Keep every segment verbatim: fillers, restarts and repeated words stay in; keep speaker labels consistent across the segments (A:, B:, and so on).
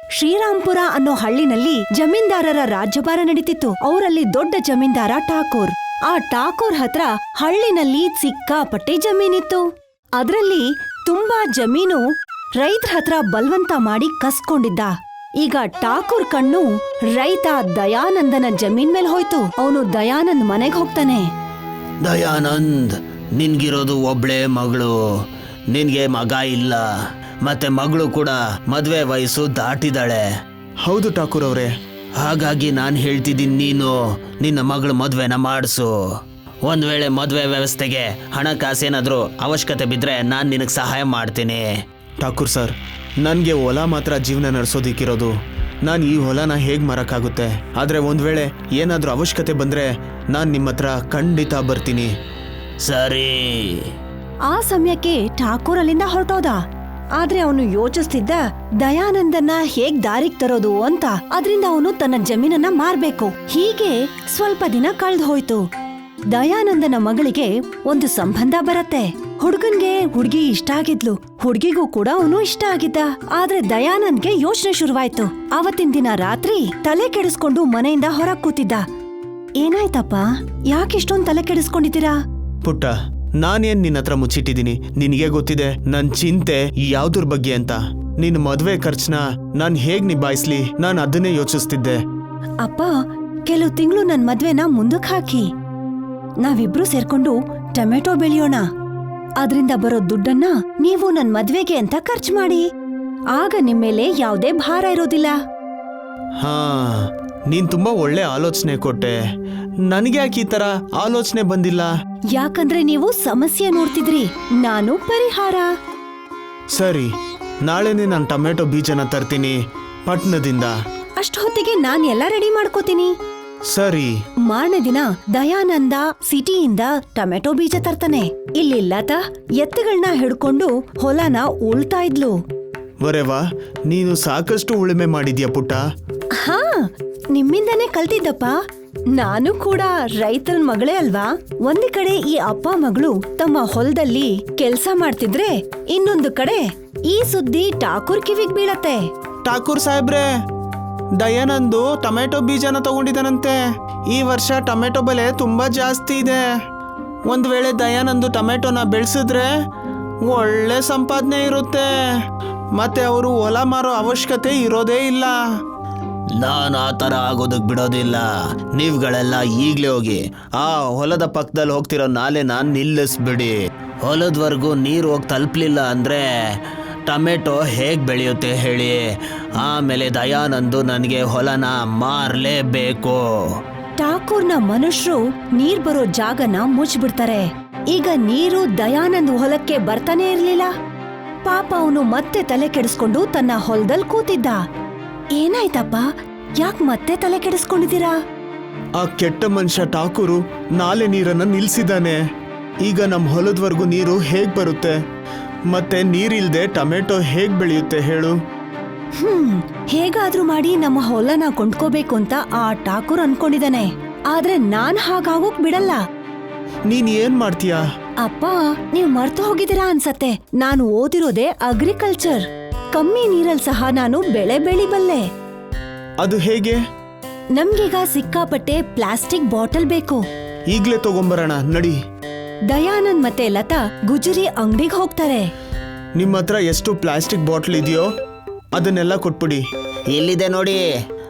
A: ಶ್ರೀರಾಂಪುರ ಅನ್ನೋ ಹಳ್ಳಿನಲ್ಲಿ ಜಮೀನ್ದಾರರ ರಾಜ್ಯಭಾರ ನಡೀತಿತ್ತು. ಅವರಲ್ಲಿ ದೊಡ್ಡ ಜಮೀನ್ದಾರ ಠಾಕೂರ್. ಆ ಠಾಕೂರ್ ಹತ್ರ ಹಳ್ಳಿನಲ್ಲಿ ಸಿಕ್ಕಾಪಟ್ಟೆ ಜಮೀನಿತ್ತು. ಅದ್ರಲ್ಲಿ ತುಂಬಾ ಜಮೀನು ರೈತರ ಹತ್ರ ಬಲ್ವಂತ ಮಾಡಿ ಕಸ್ಕೊಂಡಿದ್ದ. ಈಗ ಠಾಕೂರ್ ಕಣ್ಣು ರೈತ ದಯಾನಂದನ ಜಮೀನ್ ಮೇಲೆ ಹೋಯ್ತು. ಅವನು ದಯಾನಂದ್ ಮನೆಗ್ ಹೋಗ್ತಾನೆ.
B: ದಯಾನಂದ್, ನಿನ್ಗಿರೋದು ಒಬ್ಳೆ ಮಗಳು, ನಿನ್ಗೆ ಮಗ ಇಲ್ಲ, ಮತ್ತೆ ಮಗಳು ಕೂಡ ಮದ್ವೆ ವಯಸ್ಸು ದಾಟಿದಾಳೆ.
C: ಹೌದು ಠಾಕೂರ್ ಅವರೇ.
B: ಹಾಗಾಗಿ ನಾನು ಹೇಳ್ತಿದ್ದೀನಿ, ನೀನು ನಿನ್ನ ಮಗಳು ಮದ್ವೆನ ಮಾಡಿಸು. ಒಂದ್ ವೇಳೆ ಮದ್ವೆ ವ್ಯವಸ್ಥೆಗೆ ಹಣಕಾಸೇನಾದ್ರೂ ಅವಶ್ಯಕತೆ ಬಿದ್ರೆ ನಾನು ನಿನಗೆ ಸಹಾಯ ಮಾಡ್ತೀನಿ.
C: ಠಾಕೂರ್ ಸರ್, ನನಗೆ ಹೊಲ ಮಾತ್ರ ಜೀವನ ನಡೆಸೋದಿಕ್ಕಿರೋದು. ನಾನು ಈ ಹೊಲನ ಹೇಗೆ ಮಾರಕ್ಕಾಗುತ್ತೆ? ಆದರೆ ಒಂದು ವೇಳೆ ಏನಾದರೂ ಅವಶ್ಯಕತೆ ಬಂದರೆ ನಾನು ನಿಮ್ಮ ಹತ್ರ ಖಂಡಿತ ಬರ್ತೀನಿ.
B: ಸರಿ.
A: ಆ ಸಮಯಕ್ಕೆ ಠಾಕೂರ್ ಅಲ್ಲಿಂದ ಹೊರಟೋದ. ಆದ್ರೆ ಅವನು ಯೋಚಿಸ್ತಿದ್ದ ದಯಾನಂದನ್ನ ಹೇಗ್ ದಾರಿಗ್ ತರೋದು ಅಂತ. ಅದ್ರಿಂದ ಅವನು ತನ್ನ ಜಮೀನನ್ನ ಮಾರ್ಬೇಕು. ಹೀಗೆ ಸ್ವಲ್ಪ ದಿನ ಕಳ್ದ್ ಹೋಯ್ತು. ದಯಾನಂದನ ಮಗಳಿಗೆ ಒಂದು ಸಂಬಂಧ ಬರತ್ತೆ. ಹುಡ್ಗನ್ಗೆ ಹುಡ್ಗಿ ಇಷ್ಟ ಆಗಿದ್ಲು, ಹುಡ್ಗಿಗೂ ಕೂಡ ಅವನು ಇಷ್ಟ ಆಗಿದ್ದ. ಆದ್ರೆ ದಯಾನಂದ್ಗೆ ಯೋಚನೆ ಶುರುವಾಯ್ತು. ಅವತ್ತಿನ ದಿನ ರಾತ್ರಿ ತಲೆ ಕೆಡಿಸ್ಕೊಂಡು ಮನೆಯಿಂದ ಹೊರಗ್ ಕೂತಿದ್ದ. ಏನಾಯ್ತಪ್ಪ, ಯಾಕಿಷ್ಟೊಂದ್ ತಲೆ ಕೆಡಿಸ್ಕೊಂಡಿದ್ದೀರಾ?
C: ಪುಟ್ಟ, ನಾನೇನ್ ನಿನ್ನ ಹತ್ರ ಮುಚ್ಚಿಟ್ಟಿದ್ದೀನಿ. ನಿನಗೆ ಗೊತ್ತಿದೆ ನನ್ ಚಿಂತೆ ಯಾವ್ದ್ರ ಬಗ್ಗೆ ಅಂತ. ನಿನ್ ಮದ್ವೆ ಖರ್ಚನ್ನ ನಾನ್ ಹೇಗ್ ನಿಭಾಯಿಸ್ಲಿ, ನಾನ್ ಅದನ್ನೇ ಯೋಚಿಸ್ತಿದ್ದೆ.
A: ಅಪ್ಪ, ಕೆಲವು ತಿಂಗಳು ನನ್ ಮದ್ವೆನ ಮುಂದಕ್ ಹಾಕಿ ನಾವಿಬ್ರು ಸೇರ್ಕೊಂಡು ಟೊಮೆಟೊ ಬೆಳೆಯೋಣ. ಅದ್ರಿಂದ ಬರೋ ದುಡ್ಡನ್ನ ನೀವು ನನ್ ಮದ್ವೆಗೆ ಅಂತ ಖರ್ಚು ಮಾಡಿ. ಆಗ ನಿಮ್ಮೇಲೆ ಯಾವ್ದೇ ಭಾರ ಇರೋದಿಲ್ಲ.
C: ಹಾ, ನೀನ್ ತುಂಬಾ ಒಳ್ಳೆ ಆಲೋಚನೆ ಕೊಟ್ಟೆ. ನನಗೆ ಯಾಕೆ ಈ ತರ ಆಲೋಚನೆ ಬಂದಿಲ್ಲ?
A: ಯಾಕಂದ್ರೆ ನೀವು ಸಮಸ್ಯೆ ನೋಡ್ತಿದ್ರಿ, ನಾನು ಪರಿಹಾರ.
C: ಸರಿ, ನಾಳೆನೆ ನಾನು ಟೊಮೆಟೊ ಬೀಜನ ತರ್ತೀನಿ ಪಟ್ನದಿಂದ.
A: ಅಷ್ಟು ಹೊತ್ತಿಗೆ ನಾನ್ ಎಲ್ಲ ರೆಡಿ ಮಾಡ್ಕೋತೀನಿ.
C: ಸರಿ.
A: ಮಾರನೇ ದಿನ ದಯಾನಂದ ಸಿಟಿಯಿಂದ ಟೊಮೆಟೊ ಬೀಜ ತರ್ತಾನೆ. ಇಲ್ಲಿ ಲತಾ ಎತ್ತುಗಳನ್ನ ಹಿಡ್ಕೊಂಡು ಹೊಲನ ಉಳ್ತಾ ಇದ್ಲು.
C: ವರೆವಾ, ನೀನು ಸಾಕಷ್ಟು ಉಳುಮೆ ಮಾಡಿದ್ಯಾ ಪುಟ್ಟ.
A: ಹಾ, ನಿಮ್ಮಿಂದಾನೇ ಕಲ್ತಿದ್ದಪ್ಪ. ನಾನು ಕೂಡ ರೈತನ ಮಗಳೇ ಅಲ್ವಾ. ಒಂದು ಕಡೆ ಈ ಅಪ್ಪ ಮಗಳು ತಮ್ಮ ಹೊಲದಲ್ಲಿ ಕೆಲ್ಸ ಮಾಡ್ತಿದ್ರೆ, ಇನ್ನೊಂದು ಕಡೆ ಈ ಸುದ್ದಿ ಠಾಕೂರ್ ಕಿವಿಗ್ ಬೀಳತ್ತೆ.
C: ಠಾಕೂರ್ ಸಾಹೇಬ್ರೆ, ದಯಾನಂದು ಟೊಮೆಟೊ ಬೀಜನ ತಗೊಂಡಿದ್ದಾನಂತೆ. ಈ ವರ್ಷ ಟೊಮೆಟೊ ಬೆಲೆ ತುಂಬಾ ಜಾಸ್ತಿ ಇದೆ. ಒಂದ್ ವೇಳೆ ದಯಾನಂದು ಟೊಮೆಟೊನ ಬೆಳೆಸಿದ್ರೆ ಒಳ್ಳೆ ಸಂಪಾದನೆ ಇರುತ್ತೆ. ಮತ್ತೆ ಅವರು ಹೊಲ ಮಾರೋ ಅವಶ್ಯಕತೆ ಇರೋದೇ ಇಲ್ಲ.
B: ನಾನು ಆ ಥರ ಆಗೋದಕ್ಕೆ ಬಿಡೋದಿಲ್ಲ. ನೀವುಗಳೆಲ್ಲ ಈಗಲೇ ಹೋಗಿ ಆ ಹೊಲದ ಪಕ್ಕದಲ್ಲಿ ಹೋಗ್ತಿರೋ ನಾಲೆನ ನಿಲ್ಲಿಸ್ಬಿಡಿ. ಹೊಲದವರೆಗೂ ನೀರು ಹೋಗಿ ತಲುಪಲಿಲ್ಲ ಅಂದರೆ ಟೊಮೆಟೊ ಹೇಗೆ ಬೆಳೆಯುತ್ತೆ ಹೇಳಿ? ಆಮೇಲೆ ದಯಾನಂದು ನನಗೆ ಹೊಲನ ಮಾರಲೇಬೇಕು.
A: ಠಾಕೂರ್ನ ಮನುಷ್ಯರು ನೀರ್ ಬರೋ ಜಾಗನ ಮುಚ್ಚಿಬಿಡ್ತಾರೆ. ಈಗ ನೀರು ದಯಾನಂದ್ ಹೊಲಕ್ಕೆ ಬರ್ತಾನೆ ಇರ್ಲಿಲ್ಲ. ಪಾಪ ಅವನು ಮತ್ತೆ ತಲೆ ಕೆಡಿಸ್ಕೊಂಡು ತನ್ನ ಹೊಲದಲ್ಲಿ ಕೂತಿದ್ದ. ಏನಾಯ್ತಪ್ಪ, ಯಾಕ್ ಮತ್ತೆ ತಲೆ ಕೆಡಿಸ್ಕೊಂಡಿದ್ದೀರಾ?
C: ಆ ಕೆಟ್ಟ ಮನುಷ್ಯ ಠಾಕೂರು ನಾಲೆ ನೀರನ್ನ ನಿಲ್ಸಿದ್ದಾನೆ. ಈಗ ನಮ್ಮ ಹೊಲದವರೆಗೂ ನೀರು ಹೇಗ್ ಬರುತ್ತೆ? ಮತ್ತೆ ನೀರಿಲ್ದೆ ಟೊಮೆಟೊ ಹೇಗ್ ಬೆಳೆಯುತ್ತೆ ಹೇಳು?
A: ಹ್ಮ್ ಹೇಗಾದ್ರೂ ಮಾಡಿ ನಮ್ಮ ಹೊಲನ ಕೊಂಡ್ಕೋಬೇಕು ಅಂತ ಆ ಠಾಕೂರ್ ಅನ್ಕೊಂಡಿದ್ದಾನೆ. ಆದ್ರೆ ನಾನ್ ಹಾಗಾಗೋಕ್ ಬಿಡಲ್ಲ.
C: ನೀನ್ ಏನ್ ಮಾಡ್ತೀಯಾ?
A: ಅಪ್ಪ, ನೀವ್ ಮರ್ತು ಹೋಗಿದ್ದೀರಾ ಅನ್ಸತ್ತೆ. ನಾನು ಓದಿರೋದೇ ಅಗ್ರಿಕಲ್ಚರ್. ಕಮ್ಮಿ ನೀರಲ್ ಸಹ ನಾನು ಬೆಳೆ ಬೆಳಿಬಲ್ಲೆ.
C: ಅದು ಹೇಗೆ?
A: ನಮ್ಗೀಗ ಸಿಕ್ಕಾಪಟ್ಟೆ ಪ್ಲಾಸ್ಟಿಕ್ ಬಾಟಲ್ ಬೇಕು.
C: ಈಗ್ಲೇ ತಗೊಂಬರೋಣ ನಡಿ.
A: ದಯಾನಂದ್ ಮತ್ತೆ ಲತಾ ಗುಜರಿ ಅಂಗಡಿಗೆ ಹೋಗ್ತಾರೆ.
C: ನಿಮ್ಮ ಹತ್ರ ಎಷ್ಟು ಪ್ಲಾಸ್ಟಿಕ್ ಬಾಟ್ಲ್ ಇದೆಯೋ ಅದನ್ನೆಲ್ಲ ಕೊಟ್ಬಿಡಿ.
B: ಎಲ್ಲಿದೆ ನೋಡಿ,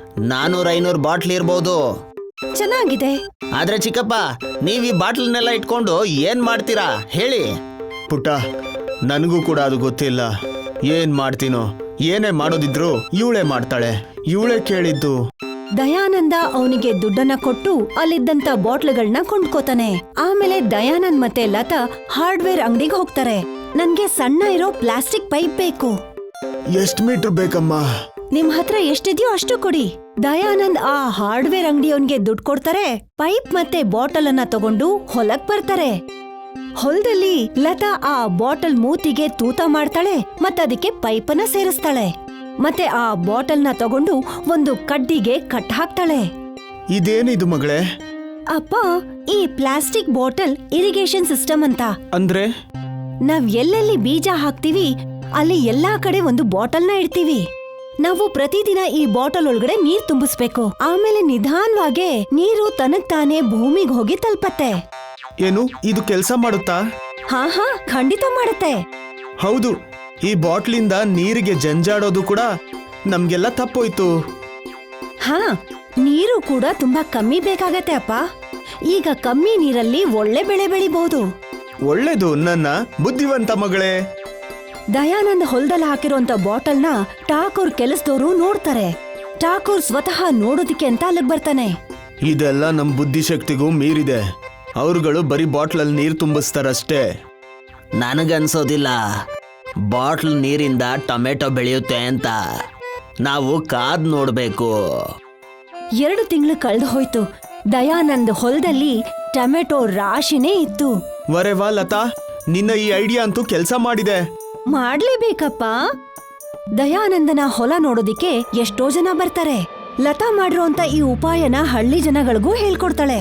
B: ನಾನೂರ ಐನೂರು ಬಾಟ್ಲ್ ಇರ್ಬೋದು.
A: ಚೆನ್ನಾಗಿದೆ.
B: ಆದ್ರೆ ಚಿಕ್ಕಪ್ಪ, ನೀವು ಈ ಬಾಟ್ಲನ್ನೆಲ್ಲ ಇಟ್ಕೊಂಡು ಏನ್ ಮಾಡ್ತೀರಾ ಹೇಳಿ?
C: ಪುಟ್ಟ, ನನಗೂ ಕೂಡ ಅದು ಗೊತ್ತಿಲ್ಲ. ಏನ್ ಮಾಡ್ತೀನೋ, ಏನೇ ಮಾಡೋದಿದ್ರು ಇವಳೇ ಮಾಡ್ತಾಳೆ. ಇವಳೇ ಕೇಳಿದ್ದು.
A: ದಯಾನಂದ ಅವನಿಗೆ ದುಡ್ಡನ್ನ ಕೊಟ್ಟು ಅಲ್ಲಿದ್ದಂತ ಬಾಟ್ಲ್ಗಳನ್ನ ಕೊಂಡ್ಕೋತಾನೆ. ಆಮೇಲೆ ದಯಾನಂದ್ ಮತ್ತೆ ಲತಾ ಹಾರ್ಡ್ವೇರ್ ಅಂಗಡಿಗೆ ಹೋಗ್ತಾರೆ. ನನ್ಗೆ ಸಣ್ಣ ಇರೋ ಪ್ಲಾಸ್ಟಿಕ್ ಪೈಪ್ ಬೇಕು.
C: ಎಷ್ಟ್ ಮೀಟರ್ ಬೇಕಮ್ಮ?
A: ನಿಮ್ ಹತ್ರ ಎಷ್ಟಿದ್ಯೋ ಅಷ್ಟು ಕೊಡಿ. ದಯಾನಂದ್ ಆ ಹಾರ್ಡ್ವೇರ್ ಅಂಗಡಿಯವನ್ಗೆ ದುಡ್ಡು ಕೊಡ್ತಾರೆ. ಪೈಪ್ ಮತ್ತೆ ಬಾಟಲ್ ಅನ್ನ ತಗೊಂಡು ಹೊಲಕ್ ಬರ್ತಾರೆ. ಹೊಲದಲ್ಲಿ ಲತಾ ಆ ಬಾಟಲ್ ಮೂತಿಗೆ ತೂತ ಮಾಡ್ತಾಳೆ, ಮತ್ತದಕ್ಕೆ ಪೈಪನ್ನ ಸೇರಿಸ್ತಾಳೆ. ಮತ್ತೆ ಆ ಬಾಟಲ್ನ ತಗೊಂಡು ಒಂದು ಕಡ್ಡಿಗೆ ಕಟ್ ಹಾಕ್ತಾಳೆ.
C: ಇದೇನಿದು ಮಗಳೇ?
A: ಅಪ್ಪ, ಈ ಪ್ಲಾಸ್ಟಿಕ್ ಬಾಟಲ್ ಇರಿಗೇಷನ್ ಸಿಸ್ಟಮ್ ಅಂತ.
C: ಅಂದ್ರೆ?
A: ನಾವ್ ಎಲ್ಲೆಲ್ಲಿ ಬೀಜ ಹಾಕ್ತಿವಿ ಅಲ್ಲಿ ಎಲ್ಲಾ ಕಡೆ ಒಂದು ಬಾಟಲ್ನ ಇಡ್ತೀವಿ. ನಾವು ಪ್ರತಿದಿನ ಈ ಬಾಟಲ್ ಒಳಗಡೆ ನೀರ್ ತುಂಬಿಸ್ಬೇಕು. ಆಮೇಲೆ ನಿಧಾನವಾಗಿ ನೀರು ತನಗ್ ತಾನೇ ಭೂಮಿಗೆ ಹೋಗಿ ತಲುಪತ್ತೆ.
C: ಏನು ಇದು ಕೆಲಸ ಮಾಡುತ್ತಾ?
A: ಹಾ ಹಾ ಖಂಡಿತ ಮಾಡುತ್ತೆ.
C: ಹೌದು, ಈ ಬಾಟ್ಲಿಂದ ನೀರಿಗೆ ಜಂಜಾಡೋದು ಕೂಡ ನಮ್ಗೆಲ್ಲ ತಪ್ಪೋಯ್ತು.
A: ಹಾ, ನೀರು ಕೂಡ ತುಂಬಾ ಕಮ್ಮಿ ಬೇಕಾಗತ್ತೆ ಅಪ್ಪ. ಈಗ ಕಮ್ಮಿ ನೀರಲ್ಲಿ ಒಳ್ಳೆ ಬೆಳೆ ಬೆಳಿಬಹುದು.
C: ಒಳ್ಳೇದು ನನ್ನ ಬುದ್ಧಿವಂತ ಮಗಳೇ.
A: ದಯಾನಂದ್ ಹೊಲದಲ್ಲಿ ಹಾಕಿರೋಂತ ಬಾಟಲ್ನ ಠಾಕೂರ್ ಕೆಲಸದವರು ನೋಡ್ತಾರೆ. ಠಾಕೂರ್ ಸ್ವತಃ ನೋಡೋದಿಕ್ಕೆ ಅಂತ ಅಲ್ಲಿಗೆ ಬರ್ತಾನೆ.
C: ಇದೆಲ್ಲ ನಮ್ ಬುದ್ಧಿಶಕ್ತಿಗೂ ಮೀರಿದೆ. ಅವ್ರುಗಳು ಬರೀ ಬಾಟ್ಲಲ್ಲಿ ನೀರ್ ತುಂಬಿಸ್ತಾರಷ್ಟೇ.
B: ನನಗನ್ಸೋದಿಲ್ಲ ಬಾಟ್ಲ್ ನೀರಿಂದ ಟೊಮೆಟೊ ಬೆಳೆಯುತ್ತೆ ಅಂತ. ನಾವು ಕಾದ್ ನೋಡ್ಬೇಕು.
A: ಎರಡು ತಿಂಗಳು ಕಳೆದು ಹೋಯ್ತು. ದಯಾನಂದ್ ಹೊಲದಲ್ಲಿ ಟೊಮೆಟೊ ರಾಶಿನೇ ಇತ್ತು.
C: ವರೆ ವಾ ಲತಾ, ನಿನ್ನ ಈ ಐಡಿಯಾ ಅಂತೂ ಕೆಲಸ ಮಾಡಿದೆ.
A: ಮಾಡ್ಲೇಬೇಕಪ್ಪ. ದಯಾನಂದನ ಹೊಲ ನೋಡೋದಿಕ್ಕೆ ಎಷ್ಟೋ ಜನ ಬರ್ತಾರೆ. ಲತಾ ಮಾಡಿರೋಂತ ಈ ಉಪಾಯನ ಹಳ್ಳಿ ಜನಗಳಿಗೂ ಹೇಳ್ಕೊಡ್ತಾಳೆ.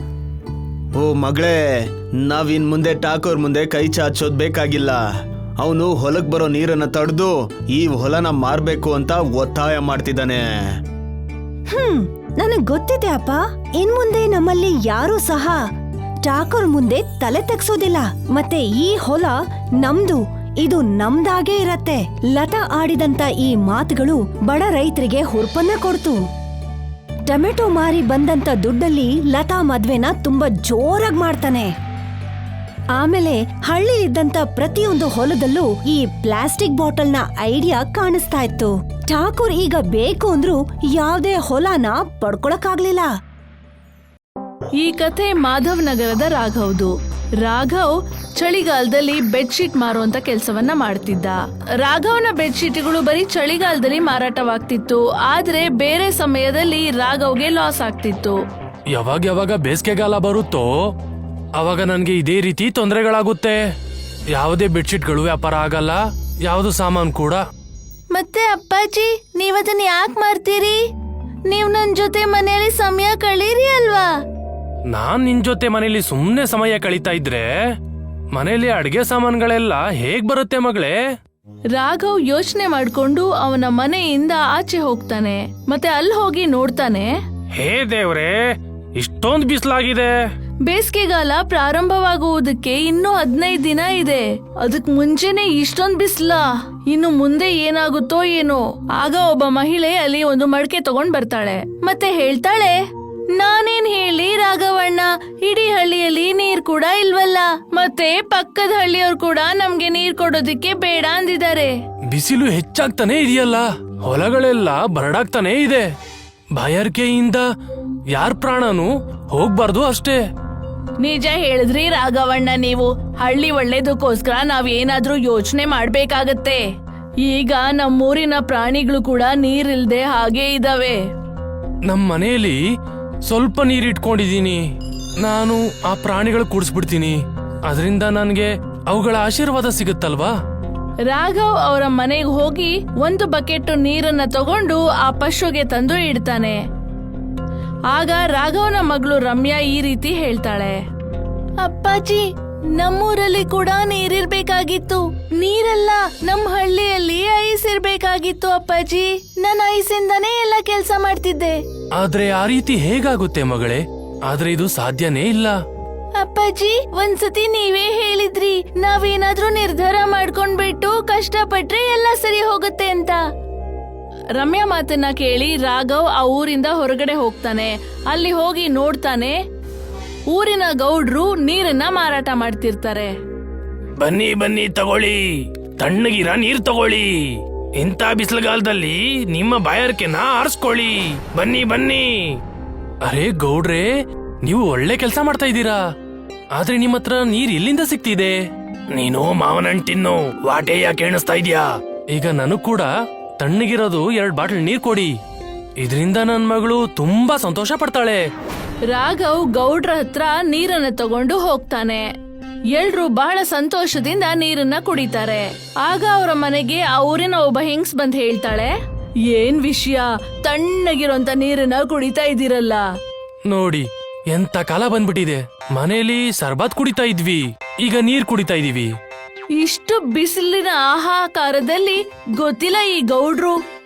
C: ಓ ಮಗಳೇ, ನಾವಿನ್ ಮುಂದೆ ಠಾಕೂರ್ ಮುಂದೆ ಕೈ ಚಾಚೋದ್ ಬೇಕಾಗಿಲ್ಲ. ಅವನು ಹೊಲಕ್ ಬರೋ ನೀರನ್ನ ತಡೆದು ಈ ಹೊಲನ ಮಾರ್ಬೇಕು ಅಂತ ಒತ್ತಾಯ ಮಾಡ್ತಿದ್ದಾನೆ.
A: ಹ್ಮ್ ನನಗ್ ಗೊತ್ತಿದೆ ಅಪ್ಪ. ಇನ್ ಮುಂದೆ ನಮ್ಮಲ್ಲಿ ಯಾರೂ ಸಹ ಠಾಕೂರ್ ಮುಂದೆ ತಲೆ ತೆಗ್ಸೋದಿಲ್ಲ. ಮತ್ತೆ ಈ ಹೊಲ ನಮ್ದು, ಇದು ನಮ್ದಾಗೇ ಇರತ್ತೆ. ಲತಾ ಆಡಿದಂತ ಈ ಮಾತುಗಳು ಬಡ ರೈತರಿಗೆ ಹುರುಪನ್ನ ಕೊಡ್ತು. ಟೊಮೆಟೊ ಮಾರಿ ಬಂದಂತ ದುಡ್ಡಲ್ಲಿ ಲತಾ ಮದ್ವೆನ ತುಂಬಾ ಜೋರಾಗಿ ಮಾಡ್ತಾನೆ. ಆಮೇಲೆ ಹಳ್ಳಿಲಿದ್ದಂತ ಪ್ರತಿಯೊಂದು ಹೊಲದಲ್ಲೂ ಈ ಪ್ಲಾಸ್ಟಿಕ್ ಬಾಟಲ್ನ ಐಡಿಯಾ ಕಾಣಿಸ್ತಾ ಇತ್ತು. ಠಾಕೂರ್ ಈಗ ಬೇಕು ಅಂದ್ರೂ ಯಾವ್ದೇ ಹೊಲನ ಪಡ್ಕೊಳಕ್ಕಾಗ್ಲಿಲ್ಲ.
D: ಈ ಕಥೆ ಮಾಧವ್ ನಗರದ ರಾಘವ್ದು. ರಾಘವ್ ಚಳಿಗಾಲದಲ್ಲಿ ಬೆಡ್ಶೀಟ್ ಮಾರುವಂತ ಕೆಲಸವನ್ನ ಮಾಡ್ತಿದ್ದ. ರಾಘವ್ನ ಬೆಡ್ಶೀಟ್ಗಳು ಬರೀ ಚಳಿಗಾಲದಲ್ಲಿ ಮಾರಾಟವಾಗ್ತಿತ್ತು. ಆದ್ರೆ ಬೇರೆ ಸಮಯದಲ್ಲಿ ರಾಘವ್ಗೆ ಲಾಸ್ ಆಗ್ತಿತ್ತು.
E: ಯಾವಾಗ ಯಾವಾಗ ಬೇಸಿಗೆಗಾಲ ಬರುತ್ತೋ ಅವಾಗ ನನ್ಗೆ ಇದೇ ರೀತಿ ತೊಂದರೆಗಳಾಗುತ್ತೆ. ಯಾವುದೇ ಬೆಡ್ಶೀಟ್ಗಳು ವ್ಯಾಪಾರ ಆಗಲ್ಲ, ಯಾವ್ದು ಸಾಮಾನು ಕೂಡ.
D: ಮತ್ತೆ ಅಪ್ಪಾಜಿ, ನೀವದನ್ನ ಯಾಕೆ ಮಾರ್ತೀರಿ? ನೀವ್ ನನ್ ಜೊತೆ ಮನೆಯಲ್ಲಿ ಸಮಯ ಕಳೀರಿ ಅಲ್ವಾ?
E: ನಾನ್ ನಿನ್ ಜೊತೆ ಮನೇಲಿ ಸುಮ್ನೆ ಸಮಯ ಕಳೀತಾ ಇದ್ರೆ ಮನೇಲಿ ಅಡ್ಗೆ ಸಾಮಾನುಗಳೆಲ್ಲ ಹೇಗ್ ಬರುತ್ತೆ ಮಗಳೇ?
D: ರಾಘವ್ ಯೋಚನೆ ಮಾಡ್ಕೊಂಡು ಅವನ ಮನೆಯಿಂದ ಆಚೆ ಹೋಗ್ತಾನೆ. ಮತ್ತೆ ಅಲ್ಲಿ ಹೋಗಿ ನೋಡ್ತಾನೆ.
E: ಹೇ ದೇವ್ರೆ, ಇಷ್ಟೊಂದ್ ಬಿಸ್ಲಾಗಿದೆ.
D: ಬೇಸಿಗೆಗಾಲ ಪ್ರಾರಂಭವಾಗುವುದಕ್ಕೆ ಇನ್ನೂ ಹದಿನೈದು ದಿನ ಇದೆ. ಅದಕ್ ಮುಂಚೆನೆ ಇಷ್ಟೊಂದ್ ಬಿಸ್ಲಾ? ಇನ್ನು ಮುಂದೆ ಏನಾಗುತ್ತೋ ಏನೋ. ಆಗ ಒಬ್ಬ ಮಹಿಳೆ ಅಲ್ಲಿ ಒಂದು ಮಡಕೆ ತಗೊಂಡ್ ಬರ್ತಾಳೆ. ಮತ್ತೆ ಹೇಳ್ತಾಳೆ, ನಾನೇನ್ ಹೇಳಿ ರಾಘವಣ್ಣ, ಇಡೀ ಹಳ್ಳಿಯಲ್ಲಿ ನೀರ್ ಕೂಡ ಇಲ್ವಲ್ಲ. ಮತ್ತೆ ಪಕ್ಕದ ಹಳ್ಳಿಯವ್ರು ಕೂಡ ನಮ್ಗೆ ನೀರ್ ಕೊಡೋದಿಕ್ಕೆ ಬೇಡ ಅಂದಿದ್ದಾರೆ.
E: ಬಿಸಿಲು ಹೆಚ್ಚಾಗ್ತಾನೆ ಇದೆಯಲ್ಲ, ಹೊಲಗಳೆಲ್ಲ ಬರಡಾಗ್ತಾನೆ ಇದೆ. ಬಾಯಾರಿಕೆಯಿಂದ ಯಾರ್ ಪ್ರಾಣನೂ ಹೋಗ್ಬಾರ್ದು ಅಷ್ಟೇ.
D: ನಿಜ ಹೇಳಿದ್ರಿ ರಾಘವಣ್ಣ ನೀವು. ಹಳ್ಳಿ ಒಳ್ಳೇದಕ್ಕೋಸ್ಕರ ನಾವ್ ಏನಾದ್ರೂ ಯೋಚನೆ ಮಾಡ್ಬೇಕಾಗತ್ತೆ. ಈಗ ನಮ್ಮೂರಿನ ಪ್ರಾಣಿಗಳು ಕೂಡ ನೀರಿಲ್ದೆ ಹಾಗೆ ಇದಾವೆ.
E: ನಮ್ ಮನೆಯಲ್ಲಿ ಸ್ವಲ್ಪ ನೀರ್ ಇಟ್ಕೊಂಡಿದೀನಿ. ನಾನು ಆ ಪ್ರಾಣಿಗಳು ಕುಡಿಸ್ಬಿಡ್ತೀನಿ. ಅದರಿಂದ ನನ್ಗೆ ಅವುಗಳ ಆಶೀರ್ವಾದ ಸಿಗುತ್ತಲ್ವಾ?
D: ರಾಘವ್ ಅವರ ಮನೆಗೆ ಹೋಗಿ ಒಂದು ಬಕೆಟ್ ನೀರನ್ನ ತಗೊಂಡು ಆ ಪಶುಗೆ ತಂದು ಇಡ್ತಾನೆ. ಆಗ ರಾಘವನ ಮಗಳು ರಮ್ಯಾ ಈ ರೀತಿ ಹೇಳ್ತಾಳೆ, ಅಪ್ಪಾಜಿ, ನಮ್ಮೂರಲ್ಲಿ ಕೂಡ ನೀರಿರ್ಬೇಕಾಗಿತ್ತು. ನೀರಲ್ಲ, ನಮ್ ಹಳ್ಳಿಯಲ್ಲಿ ಐಸ್ ಇರ್ಬೇಕಾಗಿತ್ತು ಅಪ್ಪಾಜಿ. ನನ್ ಐಸಿಂದಾನೇ ಎಲ್ಲ ಕೆಲ್ಸ ಮಾಡ್ತಿದ್ದೆ.
E: ಆದ್ರೆ ಆ ರೀತಿ ಹೇಗಾಗುತ್ತೆ ಮಗಳೇ? ಆದ್ರೆ ಇದು ಸಾಧ್ಯನೇ ಇಲ್ಲ.
D: ಅಪ್ಪಾಜಿ, ಒಂದ್ಸತಿ ನೀವೇ ಹೇಳಿದ್ರಿ ನಾವೇನಾದ್ರೂ ನಿರ್ಧಾರ ಮಾಡ್ಕೊಂಡ್ಬಿಟ್ಟು ಕಷ್ಟಪಟ್ರೆ ಎಲ್ಲ ಸರಿ ಹೋಗುತ್ತೆ ಅಂತ. ರಮ್ಯಾ ಮಾತನ್ನ ಕೇಳಿ ರಾಘವ್ ಆ ಊರಿಂದ ಹೊರಗಡೆ ಹೋಗ್ತಾನೆ. ಅಲ್ಲಿ ಹೋಗಿ ನೋಡ್ತಾನೆ, ಊರಿನ ಗೌಡ್ರು ನೀರನ್ನ ಮಾರಾಟ ಮಾಡ್ತಿರ್ತಾರೆ.
E: ಬನ್ನಿ ಬನ್ನಿ ತಗೊಳ್ಳಿ, ತಣ್ಣಗಿರ ನೀರ್ ತಗೊಳ್ಳಿ. ಇಂಥ ಬಿಸಿಲುಗಾಲದಲ್ಲಿ ನಿಮ್ಮ ಬಾಯಾರಿಕೆನ ಆರಿಸ್ಕೊಳ್ಳಿ. ಬನ್ನಿ ಬನ್ನಿ. ಅರೆ ಗೌಡ್ರೆ, ನೀವು ಒಳ್ಳೆ ಕೆಲಸ ಮಾಡ್ತಾ ಇದ್ದೀರಾ. ಆದ್ರೆ ನಿಮ್ಮ ಹತ್ರ ನೀರ್ ಎಲ್ಲಿಂದ ಸಿಗ್ತಿದೆ? ನೀನು ಮಾವನಹಣ್ಣು ತಿನ್ನು, ವಾಟೆ ಯಾಕೆ ಎಣಿಸ್ತಾ ಇದ್ಯಾ? ಈಗ ನನಗ್ ಕೂಡ ತಣ್ಣಗಿರೋದು ಎರಡ್ ಬಾಟಲ್ ನೀರ್ ಕೊಡಿ. ಇದರಿಂದ ನನ್ ಮಗಳು ತುಂಬಾ ಸಂತೋಷ ಪಡ್ತಾಳೆ.
D: ರಾಘವ್ ಗೌಡ್ರ ಹತ್ರ ನೀರನ್ನ ತಗೊಂಡು ಹೋಗ್ತಾನೆ. ಎಲ್ರು ಬಹಳ ಸಂತೋಷದಿಂದ ನೀರನ್ನ ಕುಡಿತಾರೆ. ಆಗ ಅವರ ಮನೆಗೆ ಆ ಊರಿನ ಒಬ್ಬ ಹೆಂಗ್ಸ್ ಬಂದ್ ಹೇಳ್ತಾಳೆ, ಏನ್ ವಿಷಯ, ತಣ್ಣಗಿರೋಂತ ನೀರನ್ನ ಕುಡಿತಾ ಇದ್ದೀರಲ್ಲ?
E: ನೋಡಿ, ಎಂತ ಕಾಲ ಬಂದ್ಬಿಟ್ಟಿದೆ. ಮನೇಲಿ ಸರ್ಬತ್ ಕುಡಿತಾ ಇದ್ವಿ, ಈಗ ನೀರ್ ಕುಡಿತಾ ಇದೀವಿ.
D: ಇಷ್ಟು ಬಿಸಿಲಿನ ಆಹಾಕಾರದಲ್ಲಿ ಗೊತ್ತಿಲ್ಲ ಈ ಗೌಡ್ರು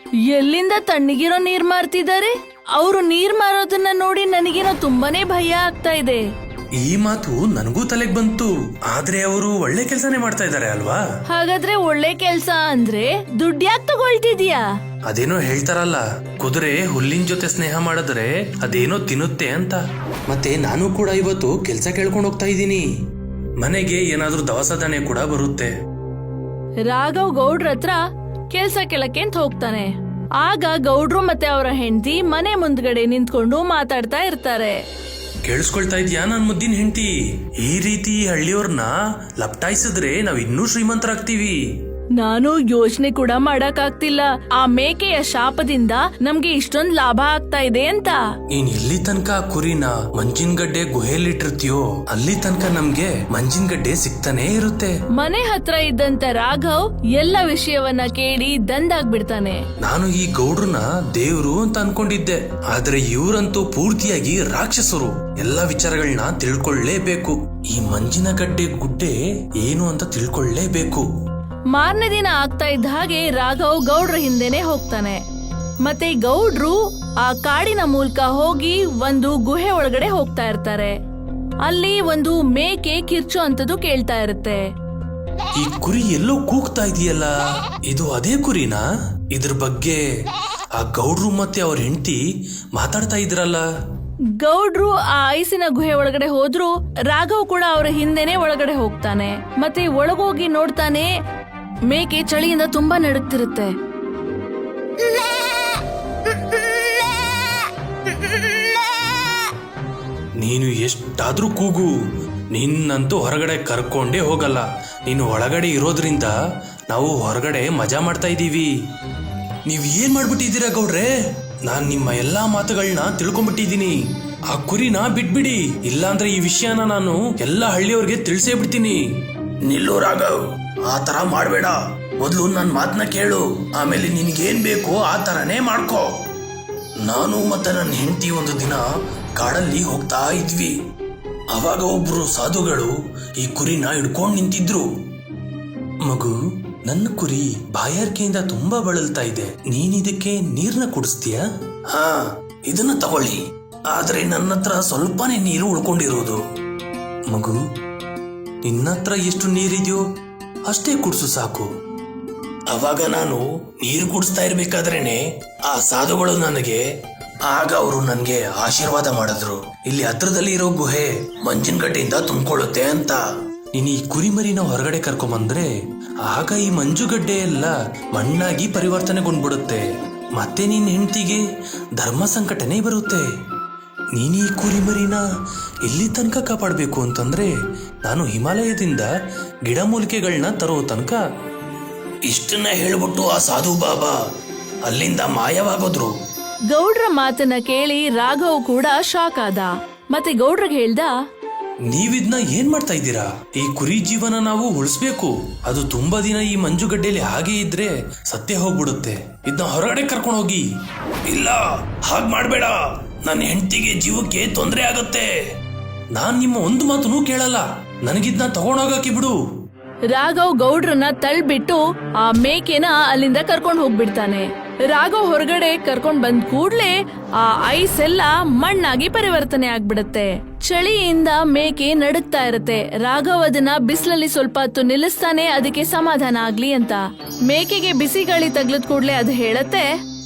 D: ಎಲ್ಲಿಂದ ತಣ್ಣಗಿರೋ ನೀರ್ ಮಾರ್ತಿದ್ದಾರೆ? ಅವರು ನೀರ್ ಮಾರೋದನ್ನ ನೋಡಿ ನನಗೇನೋ ತುಂಬಾನೇ ಭಯ ಆಗ್ತಾ ಇದೆ.
E: ಈ ಮಾತು ನನಗೂ ತಲೆಗೆ ಬಂತು. ಆದ್ರೆ ಅವರು ಒಳ್ಳೆ ಕೆಲಸನೇ ಮಾಡ್ತಾ ಇದ್ದಾರೆ ಅಲ್ವಾ?
D: ಹಾಗಾದ್ರೆ ಒಳ್ಳೆ ಕೆಲ್ಸ ಅಂದ್ರೆ ದುಡ್ಡು ಯಾಕೆ ತಗೊಳ್ತಿದ್ಯಾ?
E: ಅದೇನೋ ಹೇಳ್ತಾರಲ್ಲ, ಕುದುರೆ ಹುಲ್ಲಿನ ಜೊತೆ ಸ್ನೇಹ ಮಾಡಿದ್ರೆ ಅದೇನೋ ತಿನ್ನುತ್ತೆ ಅಂತ. ಮತ್ತೆ ನಾನು ಕೂಡ ಇವತ್ತು ಕೆಲ್ಸ ಕೇಳ್ಕೊಂಡು ಹೋಗ್ತಾ ಇದ್ದೀನಿ. ಮನೆಗೆ ಏನಾದ್ರೂ ದವಸ ಧಾನ್ಯ ಕೂಡ ಬರುತ್ತೆ.
D: ರಾಘವ್ ಗೌಡ್ರ ಹತ್ರ ಕೆಲ್ಸ ಕೇಳಕ್ಕೆ ಅಂತ ಹೋಗ್ತಾನೆ. ಆಗ ಗೌಡ್ರು ಮತ್ತೆ ಅವರ ಹೆಂಡತಿ ಮನೆ ಮುಂದ್ಗಡೆ ನಿಂತ್ಕೊಂಡು ಮಾತಾಡ್ತಾ ಇರ್ತಾರೆ.
E: ಕೇಳಿಸ್ಕೊಳ್ತಾ ಇದ್ಯಾ ನನ್ ಮುದ್ದಿನ ಹೆಂಡತಿ? ಈ ರೀತಿ ಹಳ್ಳಿಯವ್ರನ್ನ ಲಪ್ಟಾಯಿಸಿದ್ರೆ ನಾವ್ ಇನ್ನೂ ಶ್ರೀಮಂತರಾಗ್ತೀವಿ.
D: ನಾನು ಯೋಚನೆ ಕೂಡ ಮಾಡಕ್ ಆಗ್ತಿಲ್ಲ, ಆ ಮೇಕೆಯ ಶಾಪದಿಂದ ನಮ್ಗೆ ಇಷ್ಟೊಂದ್ ಲಾಭ ಆಗ್ತಾ ಇದೆ ಅಂತ.
E: ನೀನ್ ಎಲ್ಲಿ ತನಕ ಕುರಿನ ಮಂಜಿನ ಗಡ್ಡೆ ಗುಹೆಯಲ್ಲಿಟ್ಟಿರ್ತೀಯೋ ಅಲ್ಲಿ ತನಕ ನಮ್ಗೆ ಮಂಜಿನ ಗಡ್ಡೆ ಸಿಗ್ತಾನೆ ಇರುತ್ತೆ.
D: ಮನೆ ಹತ್ರ ಇದ್ದಂತ ರಾಘವ್ ಎಲ್ಲ ವಿಷಯವನ್ನ ಕೇಳಿ ದಂದಾಗ್ಬಿಡ್ತಾನೆ.
E: ನಾನು ಈ ಗೌಡ್ರನ್ನ ದೇವ್ರು ಅಂತ ಅನ್ಕೊಂಡಿದ್ದೆ, ಆದ್ರೆ ಇವ್ರಂತೂ ಪೂರ್ತಿಯಾಗಿ ರಾಕ್ಷಸರು. ಎಲ್ಲಾ ವಿಚಾರಗಳನ್ನ ತಿಳ್ಕೊಳ್ಳೇಬೇಕು. ಈ ಮಂಜಿನ ಗಡ್ಡೆ ಗುಡ್ಡೆ ಏನು ಅಂತ ತಿಳ್ಕೊಳ್ಳೇಬೇಕು.
D: ಮಾರನೇ ದಿನ ಆಗ್ತಾ ಇದ್ದ ಹಾಗೆ ರಾಘವ್ ಗೌಡ್ರ ಹಿಂದೆನೆ ಹೋಗ್ತಾನೆ. ಮತ್ತೆ ಗೌಡ್ರು ಆ ಕಾಡಿನ ಮೂಲಕ ಹೋಗಿ ಒಂದು ಗುಹೆ ಒಳಗಡೆ ಹೋಗ್ತಾ ಇರ್ತಾರೆ. ಅಲ್ಲಿ ಒಂದು ಮೇಕೆ ಕಿರ್ಚೋ ಅಂತದ್ದು ಕೇಳ್ತಾ ಇರುತ್ತೆ.
E: ಈ ಕುರಿ ಎಲ್ಲೋ ಕೂಗ್ತಾ ಇದೆಯಲ್ಲ, ಇದು ಅದೇ ಕುರಿನಾ? ಇದ್ರ ಬಗ್ಗೆ ಆ ಗೌಡ್ರು ಮತ್ತೆ ಅವ್ರ ಹೆಂಡತಿ ಮಾತಾಡ್ತಾ ಇದ್ರಲ್ಲ.
D: ಗೌಡ್ರು ಆ ಐಸಿನ ಗುಹೆ ಒಳಗಡೆ ಹೋದ್ರು ರಾಘವ್ ಕೂಡ ಅವರ ಹಿಂದೆನೆ ಒಳಗಡೆ ಹೋಗ್ತಾನೆ. ಮತ್ತೆ ಒಳಗೋಗಿ ನೋಡ್ತಾನೆ, ಮೇಕೆ ಚಳಿಯಿಂದ ತುಂಬಾ ನಡುಗ್ತಿರುತ್ತೆ.
E: ನೀನು ಎಷ್ಟಾದ್ರೂ ಕೂಗು, ನಿನ್ನಂತೂ ಹೊರಗಡೆ ಕರ್ಕೊಂಡೇ ಹೋಗಲ್ಲ. ನೀನು ಒಳಗಡೆ ಇರೋದ್ರಿಂದ ನಾವು ಹೊರಗಡೆ ಮಜಾ ಮಾಡ್ತಾ ಇದ್ದೀವಿ. ನೀವ್ ಏನ್ ಮಾಡ್ಬಿಟ್ಟಿದ್ದೀರಾ ಗೌಡ್ರೆ? ನಾನ್ ನಿಮ್ಮ ಎಲ್ಲಾ ಮಾತುಗಳನ್ನ ತಿಳ್ಕೊಂಡ್ಬಿಟ್ಟಿದ್ದೀನಿ. ಆ ಕುರಿನ ಬಿಟ್ಬಿಡಿ, ಇಲ್ಲಾಂದ್ರೆ ಈ ವಿಷಯನ ನಾನು ಎಲ್ಲಾ ಹಳ್ಳಿಯವ್ರಿಗೆ ತಿಳಿಸೇ ಬಿಡ್ತೀನಿ. ನಿಲ್ಲು ರಾಘವ್, ಆ ತರ ಮಾಡ್ಬೇಡ. ಮೊದ್ಲು ನನ್ ಮಾತನ್ನ ಕೇಳು, ಆಮೇಲೆ ನಿನ್ಗೇನ್ ಬೇಕು ಆ ತರನೇ ಮಾಡ್ಕೋ. ನಾನು ಮತ್ತೆ ನನ್ನ ಹೆಂಡತಿ ಒಂದು ದಿನ ಕಾಡಲ್ಲಿ ಹೋಗ್ತಾ ಇದ್ವಿ. ಅವಾಗ ಒಬ್ರು ಸಾಧುಗಳು ಈ ಕುರಿನ ಹಿಡ್ಕೊಂಡ್ ನಿಂತಿದ್ರು. ಮಗು, ನನ್ನ ಕುರಿ ಬಾಯಾರಿಕೆಯಿಂದ ತುಂಬಾ ಬಳಲ್ತಾ ಇದೆ, ನೀನ್ ಇದಕ್ಕೆ ನೀರ್ನ ಕುಡಿಸ್ತೀಯಾ? ಹಾ, ಇದನ್ನ ತಗೊಳ್ಳಿ. ಆದ್ರೆ ನನ್ನ ಹತ್ರ ಸ್ವಲ್ಪನೇ ನೀರು ಉಳ್ಕೊಂಡಿರೋದು. ಮಗು, ನಿನ್ನ ಹತ್ರ ಎಷ್ಟು ನೀರಿದೆಯೋ ಅಷ್ಟೇ ಕುಡ್ಸು ಸಾಕು. ಅವಾಗ ನಾನು ನೀರು ಕುಡಿಸ್ತಾ ಇರ್ಬೇಕಾದ್ರೇನೆ ಆ ಸಾಧುಗಳು ನನಗೆ ಆಗ ಅವರು ನನ್ಗೆ ಆಶೀರ್ವಾದ ಮಾಡಿದ್ರು. ಇಲ್ಲಿ ಹತ್ರದಲ್ಲಿ ಇರೋ ಗುಹೆ ಮಂಜಿನ ಗಡ್ಡೆಯಿಂದ ತುಂಬಿಕೊಳ್ಳುತ್ತೆ ಅಂತ. ನೀನು ಈ ಕುರಿಮರಿನ ಹೊರಗಡೆ ಕರ್ಕೊಂಬಂದ್ರೆ ಆಗ ಈ ಮಂಜುಗಡ್ಡೆ ಎಲ್ಲ ಮಣ್ಣಾಗಿ ಪರಿವರ್ತನೆಗೊಂಡ್ಬಿಡುತ್ತೆ. ಮತ್ತೆ ನಿನ್ನ ಹೆಂಡತಿಗೆ ಧರ್ಮ ಸಂಕಟನೇ ಬರುತ್ತೆ. ನೀನು ಈ ಕುರಿಮರಿನ ಎಲ್ಲಿ ತನಕ ಕಾಪಾಡಬೇಕು ಅಂತಂದ್ರೆ ನಾನು ಹಿಮಾಲಯದಿಂದ ಗಿಡಮೂಲಿಕೆಗಳನ್ನ ತರೋ ತನಕ. ಇಷ್ಟನ್ನ ಹೇಳ್ಬಿಟ್ಟು ಆ ಸಾಧು ಬಾಬಾ ಅಲ್ಲಿಂದ ಮಾಯವಾಗೋದ್ರು.
D: ಗೌಡ್ರ ಮಾತನ್ನ ಕೇಳಿ ರಾಘವ್ ಕೂಡ ಶಾಕ್ ಆದ. ಮತ್ತೆ ಗೌಡ್ರಿಗೆ ಹೇಳ್ದ,
E: ನೀವಿದ್ನ ಏನ್ ಮಾಡ್ತಾ ಇದ್ದೀರಾ? ಈ ಕುರಿ ಜೀವನ ನಾವು ಉಳಿಸ್ಬೇಕು. ಅದು ತುಂಬಾ ದಿನ ಈ ಮಂಜುಗಡ್ಡೆಯಲ್ಲಿ ಹಾಗೆ ಇದ್ರೆ ಸತ್ಯ ಹೋಗ್ಬಿಡುತ್ತೆ. ಇದನ್ನ ಹೊರಗಡೆ ಕರ್ಕೊಂಡು ಹೋಗಿ. ಇಲ್ಲ, ಹಾಗ್ ಮಾಡ್ಬೇಡ, ನನ್ನ ಹೆಂಡತಿಗೆ ಜೀವಕ್ಕೆ ತೊಂದರೆ ಆಗತ್ತೆ. ನಾನ್ ನಿಮ್ಮ ಒಂದು ಮಾತನ್ನು ಕೇಳಲ್ಲ, ನನಗಿದ್ನ ತಗೊಂಡೋಗಕ್ಕೆ ಬಿಡು.
D: ರಾಘವ್ ಗೌಡ್ರನ್ನ ತಳ್ಬಿಟ್ಟು ಆ ಮೇಕೆನ ಅಲ್ಲಿಂದ ಕರ್ಕೊಂಡ್ ಹೋಗ್ಬಿಡ್ತಾನೆ. ರಾಘವ್ ಹೊರಗಡೆ ಕರ್ಕೊಂಡ್ ಬಂದ್ ಕೂಡ್ಲೆ ಆ ಐಸ್ ಎಲ್ಲ ಮಣ್ಣಾಗಿ ಪರಿವರ್ತನೆ ಆಗ್ಬಿಡತ್ತೆ. ಚಳಿಯಿಂದ ಮೇಕೆ ನಡುಗ್ತಾ ಇರುತ್ತೆ. ರಾಘವ್ ಅದನ್ನ ಬಿಸಿಲಲ್ಲಿ ಸ್ವಲ್ಪ ಹೊತ್ತು ನಿಲ್ಲಿಸ್ತಾನೆ, ಅದಕ್ಕೆ ಸಮಾಧಾನ ಆಗ್ಲಿ ಅಂತ. ಮೇಕೆಗೆ ಬಿಸಿ ಗಾಳಿ ತಗ್ಲದ್ ಕೂಡ್ಲೆ ಅದು ಹೇಳತ್ತೆ,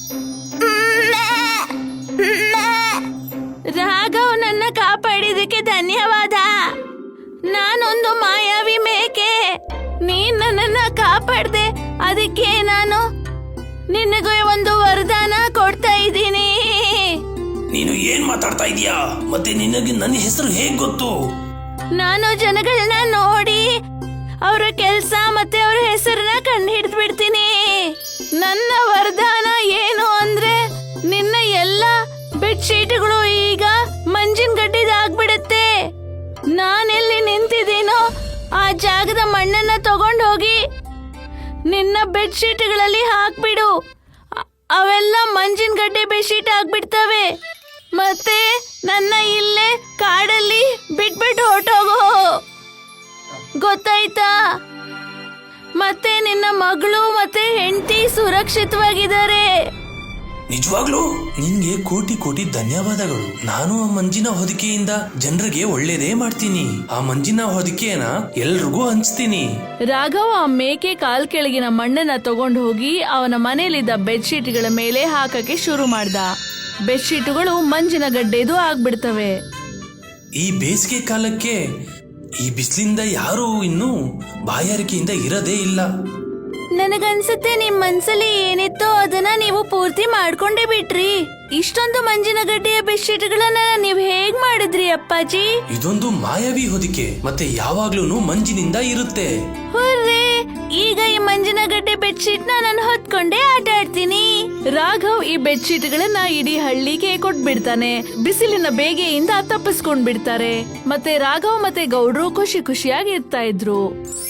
D: ರಾಘವ್ ನನ್ನ ಕಾಪಾಡಿದಕ್ಕೆ ಧನ್ಯವಾದ. ನಾನೊಂದು ಮಾಯಾವಿ ಮೇಕೆ, ನೀನ್ ನನ್ನನ್ನ ಕಾಪಾಡ್ದೆ, ಅದಕ್ಕೆ ನಾನು ನಿನಗೆ ಒಂದು ವರದಾನ ಕೊಡ್ತಾ ಇದ್ದೀನಿ.
E: ನೀನು ಏನ್ ಮಾತಾಡ್ತಾ ಇದೀಯಾ? ಮತ್ತೆ ನಿನಗೆ ನನ್ನ ಹೆಸರು ಹೇಗ್ ಗೊತ್ತು?
D: ನಾನು ಜನಗಳನ್ನ ನೋಡಿ ಅವರ ಕೆಲ್ಸ ಮತ್ತೆ ಅವ್ರ ಹೆಸರನ್ನ ಕಂಡು ಹಿಡಿದು ಬಿಡ್ತೀನಿ. ನನ್ನ ವರದಾನ ಏನು ಅಂದ್ರೆ ನಿನ್ನ ಎಲ್ಲ ಬೆಡ್ಶೀಟ್ಗಳು ಈಗ ಮಂಜಿನ ಗಡ್ಡೆದಾಗ್ಬಿಡುತ್ತೆ. ನಾನೆಲ್ಲಿ ನಿಂತಿದ್ದೀನೋ ಆ ಜಾಗದ ಮಣ್ಣನ್ನ ತಗೊಂಡು ಹೋಗಿ ನಿನ್ನ ಬೆಡ್ಶೀಟ್ಗಳಲ್ಲಿ ಹಾಕ್ಬಿಡು. ಅವೆಲ್ಲ ಮಂಜಿನ ಗಡ್ಡೆ ಬೆಡ್ಶೀಟ್ ಆಗ್ಬಿಡ್ತವೆ. ಮತ್ತೆ ನನ್ನ ಇಲ್ಲೇ ಕಾಡಲ್ಲಿ ಬಿಟ್ಬಿಟ್ಟು ಹೊರಟೋಗೋ, ಗೊತ್ತಾಯ್ತಾ? ಮತ್ತೆ ನಿನ್ನ ಮಗಳು ಮತ್ತೆ ಹೆಂಡತಿ ಸುರಕ್ಷಿತವಾಗಿದ್ದಾರೆ.
E: ನಿಜವಾಗ್ಲೂ ನಿನ್ಗೆ ಕೋಟಿ ಕೋಟಿ ಧನ್ಯವಾದಗಳು. ನಾನು ಆ ಮಂಜಿನ ಹೊದಿಕೆಯಿಂದ ಜನರಿಗೆ ಒಳ್ಳೇದೇ ಮಾಡ್ತೀನಿ. ಆ ಮಂಜಿನ ಹೊದಿಕೆನ ಎಲ್ರಿಗೂ ಹಂಚ್ತೀನಿ.
D: ರಾಘವ್ ಆ ಮೇಕೆ ಕಾಲ್ ಕೆಳಗಿನ ಮಣ್ಣನ್ನ ತಗೊಂಡು ಹೋಗಿ ಅವನ ಮನೆಯಲ್ಲಿದ್ದ ಬೆಡ್ಶೀಟ್ಗಳ ಮೇಲೆ ಹಾಕಕ್ಕೆ ಶುರು ಮಾಡ್ದ. ಬೆಡ್ಶೀಟುಗಳು ಮಂಜಿನ ಗಡ್ಡೆದು ಆಗ್ಬಿಡ್ತವೆ.
E: ಈ ಬೇಸಿಗೆ ಕಾಲಕ್ಕೆ ಈ ಬಿಸಿಲಿಂದ ಯಾರು ಇನ್ನು ಬಾಯಾರಿಕೆಯಿಂದ ಇರದೇ ಇಲ್ಲ.
D: ನನಗನ್ಸುತ್ತೆ ನಿಮ್ ಮನ್ಸಲ್ಲಿ ಏನಿತ್ತೋ ಅದನ್ನ ನೀವು ಪೂರ್ತಿ ಮಾಡ್ಕೊಂಡೇ ಬಿಟ್ರಿ. ಇಷ್ಟೊಂದು ಮಂಜಿನ ಗಡ್ಡೆಯ ಬೆಡ್ಶೀಟ್ಗಳನ್ನ ನೀವ್ ಹೇಗ್ ಮಾಡಿದ್ರಿ ಅಪ್ಪಾಜಿ?
E: ಇದೊಂದು ಮಾಯಾವಿ ಹೊದಿಕೆ, ಮತ್ತೆ ಯಾವಾಗ್ಲೂ ಮಂಜಿನಿಂದ ಇರುತ್ತೆ.
D: ಹುರ್ರೇ, ಈಗ ಈ ಮಂಜಿನ ಗಡ್ಡೆ ಬೆಡ್ಶೀಟ್ ನ ನಾನು ಹೊತ್ಕೊಂಡೇ ಆಟ ಆಡ್ತೀನಿ. ರಾಘವ್ ಈ ಬೆಡ್ಶೀಟ್ ಗಳನ್ನ ಇಡೀ ಹಳ್ಳಿಗೆ ಕೊಟ್ಬಿಡ್ತಾನೆ. ಬಿಸಿಲಿನ ಬೇಗೆಯಿಂದ ತಪ್ಪಿಸ್ಕೊಂಡ್ ಬಿಡ್ತಾರೆ. ಮತ್ತೆ ರಾಘವ್ ಮತ್ತೆ ಗೌಡ್ರು ಖುಷಿ ಖುಷಿಯಾಗಿ ಇರ್ತಾ ಇದ್ರು.